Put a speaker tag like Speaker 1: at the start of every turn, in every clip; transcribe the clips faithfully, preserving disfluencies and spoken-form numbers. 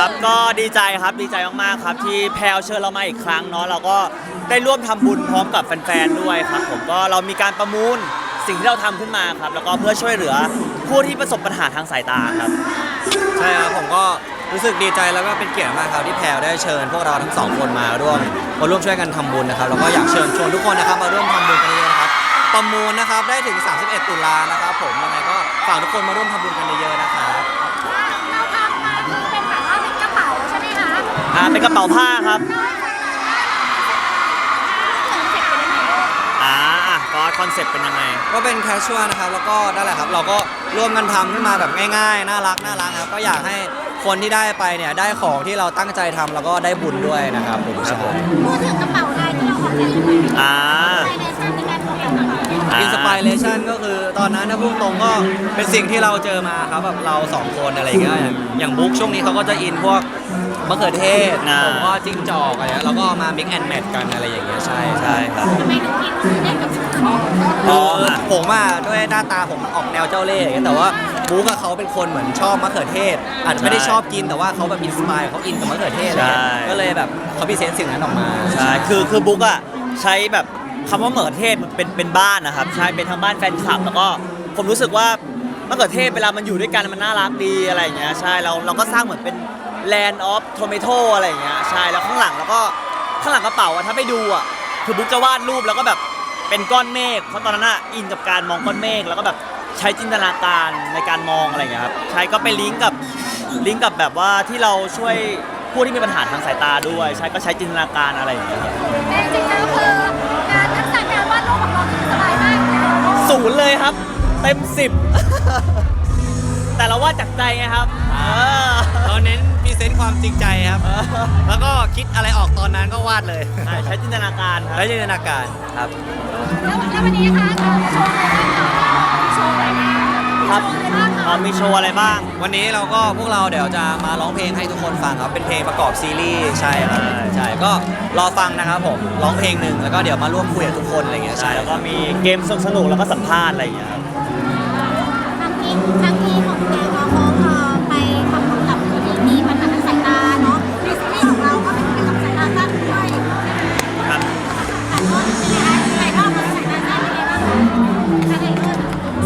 Speaker 1: ครับก็ดีใจครับดีใจมากๆครับที่แพลวเชิญเรามาอีกครั้งเนาะเราก็ได้ร่วมทำบุญพร้อมกับแฟนๆด้วยครับผมก็เรามีการประมูลสิ่งที่เราทำขึ้นมาครับแล้วก็เพื่อช่วยเหลือผู้ที่ประสบปัญหาทางสายตาครับ
Speaker 2: ใช่ครับผมก็รู้สึกดีใจแล้วก็เป็นเกียรติมากครับที่แพลวได้เชิญพวกเราทั้งสองคนมาร่วมมาร่วมช่วยกันทำบุญนะครับแล้วก็อยากเชิญชวนทุกคนนะครับมาร่วมทำบุญกันเยอะๆนะครับประมูลนะครับได้ถึงสามสิบเอ็ดตุลานะครับผมยังไงก็ฝากทุกคนมาร่วมทำบุญกันเยอะๆนะครับ
Speaker 3: เราทำมาคือเป็นแบบว่าเป็นกระเป๋าใช่ไหมคะ
Speaker 1: อ่าเป็นกระเป๋าผ้าครับอ่าก็คอนเซ็ปต์เป็นยังไง
Speaker 2: ก็เป็นแคชชวลนะครับแล้วก็นั่นแหละครับเราก็ร่วมกันทำขึ้นมาแบบง่ายๆน่ารักน่ารักครับก็อยากให้คนที่ได้ไปเนี่ยได้ของที่เราตั้งใจทำแล้วก็ได้บุญด้วยนะครับผมใช่
Speaker 3: พูดถึงกระเป๋าลายที่เราออกแบบ
Speaker 1: อ่า
Speaker 2: อินสปิเรชันก็คือตอนนั้นถ้าพูดตรงก็เป็นสิ่งที่เราเจอมาครับแบบเราสองคนอะไรอย่างเงี้ยอย่างบุ๊กช่วงนี้เขาก็จะอินพวกมะเขือเทศผมก็จิ้งจอกอะไรแล้วก็มา mix and match กันอะไรอย่างเงี้ยใช่ใช่ครับ
Speaker 3: ทำไมถึงอินเล่นกับจิ้งจอก
Speaker 2: อ๋อผมอ่ะด้วยหน้าตาผมออกแนวเจ้าเล่ห์แต่ว่าบุ๊กกับเขาเป็นคนเหมือนชอบมะเขือเทศอาจจะไม่ได้ชอบกินแต่ว่าเขาแบบอินสปายเขาอินกับมะเขือเทศก็เลยแบบเขาพิเศษสิ่งนั้นออกมา
Speaker 1: ใช่คือคือบุ๊กอ่ะใช้แบบคำว่ามะเขือเทศเป็นเป็นบ้านนะครับใช่เป็นทั้งบ้านแฟนคลับแล้วก็ผมรู้สึกว่ามะเขือเทศเวลามันอยู่ด้วยกันมันน่ารักดีอะไรอย่างเงี้ยใช่เราเราก็สร้างเหมือนเป็น Land of Tomato อะไรอย่างเงี้ยใช่แล้วข้างหลังแล้วก็ข้างหลังกระเป๋าอะถ้าไปดูอะคือบุ๊กจะวาดรูปแล้วก็แบบเป็นก้อนเมฆเพราะตอนนั้นอะอินกับการมองก้อนเมฆแล้วก็แบบใช้จินตนาการในการมองอะไรอย่างเงี้ยครับใช่ก็ไปลิงก์กับลิงก์กับแบบว่าที่เราช่วยผู้ที่มีปัญหาทางสายตาด้วยใช่ก็ใช้จินตนาการอะไรอย่างเงี้ยครับ
Speaker 3: แต่จริงๆแล้วคือการทักษะการวาดรูปของเราคือสบายมาก
Speaker 1: ศูนย์เลยครับเต็มสิบแต่เราวาดจากใจไงครับ
Speaker 2: เราเน้นพรีเซนต์ความจริงใจครับแล้วก็คิดอะไรออกตอนนั้นก็วาดเลย
Speaker 1: ใช้จินตนาการ
Speaker 2: ใช้จินตนาการครับ
Speaker 3: แล้ววันนี้นะคะเราโชว์อะไรบ้างโชว์อะไรบ้าง
Speaker 1: ครับมีโชว์อะไรบ้าง
Speaker 2: วันนี้เราก็พวกเราเดี๋ยวจะมาร้องเพลงให้ทุกคนฟังครับเป็นเพลงประกอบซีรีส์ใช่ครับใช่ก็รอฟังนะครับผมร้องเพลงหนึ่งแล้วก็เดี๋ยวมาร่วมคุยกับทุกคนอะไรเงี้ย
Speaker 1: ใช่แล้วก็มีเกมสนุกๆแล้วก็สัมภาษณ์อะไรอย่างเงี้ยครับ
Speaker 3: ทางที่ทางที่ของแกเราเขาไปทำบุญกับผู้ที่มีปัญหาทางสายตาเนาะในซีรีส์ของเราก็เป็นเกี่ยวกับสายตาสั้นด้วย
Speaker 1: ครับ
Speaker 3: แต่ก็เป็นไงคะถ่ายทอดมาสายตาสั้นเป็นไงบ้างคะทางไหนด้วย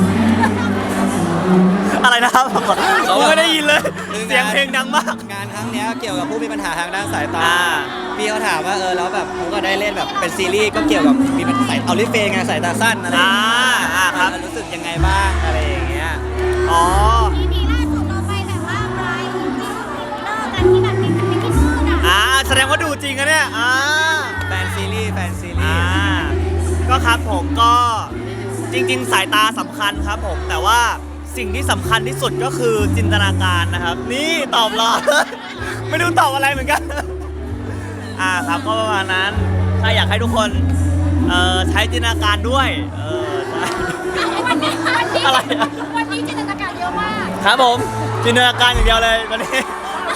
Speaker 1: อะไรนะครับผมไม่ได้ยินเลยเสียงเพลงดังมาก
Speaker 2: งานครั้งนี้เกี่ยวกับผู้มีปัญหาทางด้านสายตาพี่เขาถามว่าเออแล้วแบบผมก็ได้เล่นแบบเป็นซีรีส์ก็เกี่ยวกับมีปัญหาเอาลิเฟย์ไงสายตาสั้นอะไร
Speaker 1: อ่าครับ
Speaker 2: รู้สึกยังไงบ้างอะไรอย่างเงี้ย
Speaker 1: อ๋อ
Speaker 3: ทีนี้ล่าสุดเราไปแบบว่าไปที่เลิกกันที่แบบเป็นเป็นที่นู่นอ่ะ
Speaker 1: อ่าแสดงว่าดูจริงนะเนี่ยอ่า
Speaker 2: แฟนซีรีส์แฟนซีรีส์
Speaker 1: อ่าก็ครับผมก็จริงๆสายตาสำคัญครับผมแต่ว่าสิ่งที่สำคัญที่สุดก็คือจินตนาการนะครับนี่ตอบรอไม่รู้ตอบอะไรเหมือนกันอ่าครับก็ประมาณนั้นถ้าอยากให้ทุกคนเอ่อใช้จินตนาการด้วยเออ
Speaker 3: วันนี้วันนี้
Speaker 1: อะไร
Speaker 3: วันนี้จินตนาการเยอะมาก
Speaker 1: ครับผมจินตนาการอย่างเดียวเลยวันนี้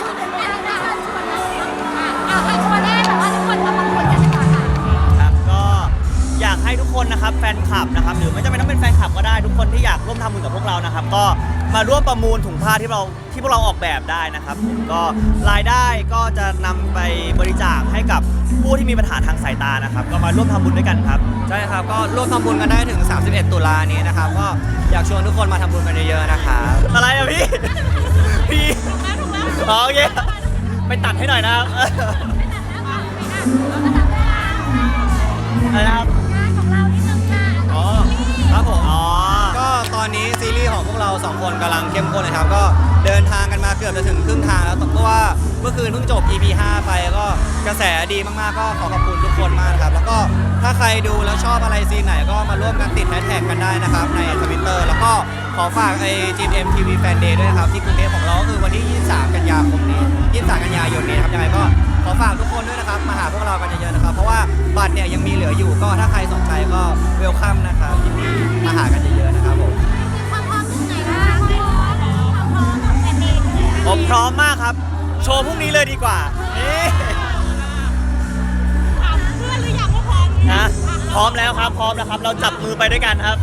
Speaker 1: ครับก็อยากให้ทุกคนนะครับแฟนคลับนะครับหรือไม่จำเป็นต้องเป็นแฟนคลับก็ได้ทุกคนที่อยากร่วมทำบุญกับพวกเรานะครับก็มาร่วมประมูลถุงผ้าที่เราที่พวกเราออกแบบได้นะครับผมก็รายได้ก็จะนำไปบริจาคให้กับผู้ที่มีปัญหาทางสายตานะครับก็มาร่วมทำบุญด้วยกันครับ
Speaker 2: ใช่ครับก็ร่วมทำบุญกันได้ถึงสามสิบเอ็ดตุลานี้นะครับก็อยากชวนทุกคนมาทำบุญกันเยอะๆนะครับ
Speaker 1: อะไรอะพี่พี่โอเคไปตัดให้หน่อยนะครับอะไรนะครับ
Speaker 2: อ๋อครับผมอ๋อก็ตอนนี้ซีรีส์ของพวกเราสองคนกำลังเข้มข้นเลยครับก็เดินทางกันมาเกือบจะถึงครึ่งทางแล้วเพราะว่าเมื่อคืนเพิ่งจบ อี พี ห้าไปก็กระแสดีมากๆก็ขอขอบคุณทุกคนมากครับแล้วก็ถ้าใครดูแล้วชอบอะไรซีนไหนก็มาร่วมกันติดแฮชแท็กกันได้นะครับใน Twitter แล้วก็ขอฝากไอ้ จี เอ็ม ที วี Fan Day ด้วยนะครับที่กรุงเทพของเราก็คือวันที่ยี่สิบสามกันยายนนี้ยี่สิบสามกันยายนนี้นะครับยังไงก็ขอฝากทุกคนด้วยนะครับมาหาพวกเรากันเยอะๆนะครับเพราะว่าบัตรเนี่ยยังมีเหลืออยู่ก็ถ้าใครสนใจก็เวลคัมนะครับยินดีมาหากันเยอะๆนะครับผม
Speaker 1: ผมพร้อมมากครับโชว์พรุ่งนี้เลยดีกว่านี่
Speaker 3: ถามเพื่อนหรือยังว่าพร้อม
Speaker 1: นะพร้อมแล้วครับพร้อมแล้วครับเราจับมือไปด้วยกันครับ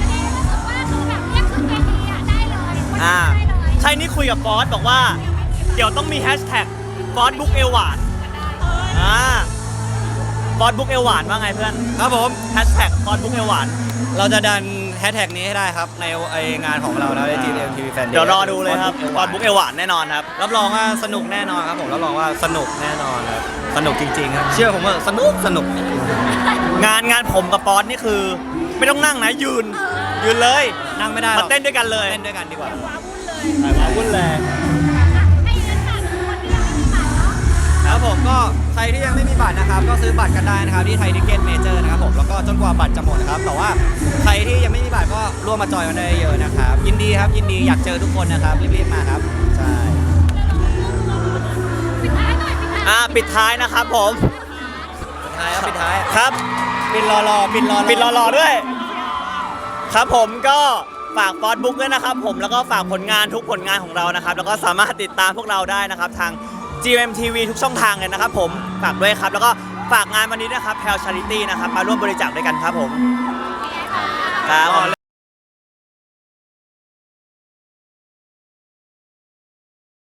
Speaker 3: อ่า
Speaker 1: ใช่นี่คุยกับบอสบอกว่าเดี๋ยวต้องมีแฮชแท็กฟอสบุ๊กเอวหวานอ่าฟอสบุ๊กเอวหวานว่าไงเพื่อน
Speaker 2: ครับผม
Speaker 1: แฮชแท็กฟอสบุ๊กเอวหวาน
Speaker 2: เราจะดันแฮชแท็กนี้ให้ได้ครับในไองานของเราแล้วใน จี เอ็ม ที วี Fan Day
Speaker 1: เดี๋ยวรอดูเลยครับฟอสบุ๊กเอวหวานแน่นอนครับ
Speaker 2: รับรองว่าสนุกแน่นอนครับผมรับรองว่าสนุกแน่นอนครับสนุกจริงๆครับเชื่อผมว่าสนุกสนุก
Speaker 1: งานงานผมกับป๊อตนี่คือ ไม่ต้องนั่งนะยืน ยืนเลย
Speaker 2: นั่งไม่ได้หร
Speaker 1: มา
Speaker 2: อก
Speaker 1: เต้นด้วยกันเลย
Speaker 2: เต้นด้วยกันดีกว่า
Speaker 1: มาวุ่นเลย
Speaker 3: ให้เงินฝากคนที่ยังไม่มีบัตรเนาะ
Speaker 2: ครับผมก็ใครที่ยังไม่มีบัตรนะครับก็ซื้อบัตรกันได้นะครับที่ไทยทิเก็ตเมเจอร์นะครับผมแล้วก็จนกว่าบัตรจะหมดนะครับแต่ว่าใครที่ยังไม่มีบัตรก็ร่วมมาจอยกันได้เยอะนะครับยินดีครับยินดีอยากเจอทุกคนนะครับรีบๆมาครับใช่
Speaker 3: ปิดท้ายหน่อยปิดท้าย
Speaker 1: อ่าปิดท้ายนะครับผม
Speaker 2: ปิดท้ายครับปิดท้าย
Speaker 1: ครับ
Speaker 2: ปิดรอรอปิดรอ
Speaker 1: ปิดรอๆด้วย ครับผมก็ฝากฟอสบุ๊กด้วยนะครับผมแล้วก็ฝากผลงานทุกผลงานของเรานะครับแล้วก็สามารถติดตามพวกเราได้นะครับทาง จี เอ็ม ที วี ทุกช่องทางเลยนะครับผมฝากด้วยครับแล้วก็ฝากงานวันนี้นะครับแพลชาริตี้นะครับมาร่วมบริจาคด้วยกันครับผมครับ